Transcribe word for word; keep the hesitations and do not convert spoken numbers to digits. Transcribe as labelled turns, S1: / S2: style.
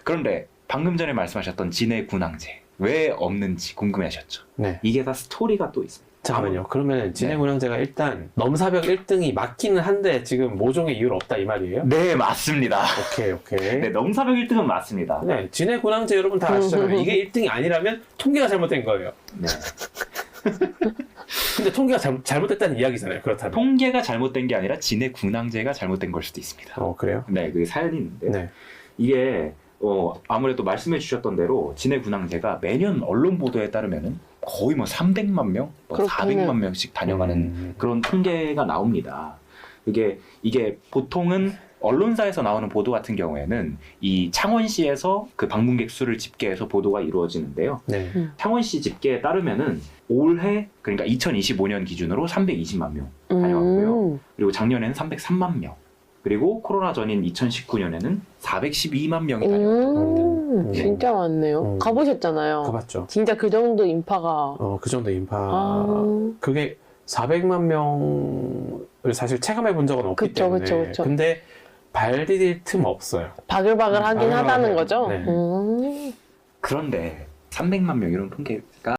S1: 그런데 방금 전에 말씀하셨던 진해 군항제 왜 없는지 궁금해하셨죠?
S2: 네.
S1: 이게 다 스토리가 또 있습니다.
S2: 잠깐만요. 그러면 진해
S1: 네.
S2: 군항제가 일단 넘사벽 일 등이 맞기는 한데 지금 모종의 이유는 없다 이 말이에요?
S1: 네, 맞습니다.
S2: 오케이 오케이.
S1: 네, 넘사벽 일 등은 맞습니다.
S2: 네, 진해 군항제 여러분 다 아시잖아요. 이게 일 등이 아니라면 통계가 잘못된 거예요.
S1: 네.
S2: 근데 통계가 잘, 잘못됐다는 이야기잖아요. 그렇다면.
S1: 통계가 잘못된 게 아니라 진해 군항제가 잘못된 걸 수도 있습니다.
S2: 어 그래요?
S1: 네, 그 사연이 있는데
S2: 네.
S1: 이게 어, 아무래도 말씀해 주셨던 대로 진해 군항제가 매년 언론 보도에 따르면은 거의 뭐 삼백만 명, 뭐
S3: 그렇구나.
S1: 사백만 명씩 다녀가는
S2: 음.
S1: 그런 통계가 나옵니다. 이게 이게 보통은 언론사에서 나오는 보도 같은 경우에는 이 창원시에서 그 방문객 수를 집계해서 보도가 이루어지는데요.
S2: 네.
S1: 창원시 집계에 따르면은 올해 그러니까 이천이십오 년 기준으로 삼백이십만 명 다녀왔고요.
S3: 음.
S1: 그리고 작년에는 삼백삼만 명. 그리고 코로나 전인 이천십구 년에는 사백십이만 명이 다녀왔습니다.
S3: 음, 진짜 많네요.
S2: 음.
S3: 가보셨잖아요.
S2: 가봤죠.
S3: 진짜 그 정도 인파가.
S2: 어 그 정도 인파.
S3: 아.
S2: 그게 사백만 명을 사실 체감해 본 적은 없기
S3: 그쵸,
S2: 때문에.
S3: 그쵸, 그쵸.
S2: 근데 발 디딜 틈 없어요.
S3: 바글바글 하긴
S2: 바글바글
S3: 하다는
S2: 해요.
S3: 거죠?
S2: 네.
S3: 음.
S1: 그런데 삼백만 명 이런 통계가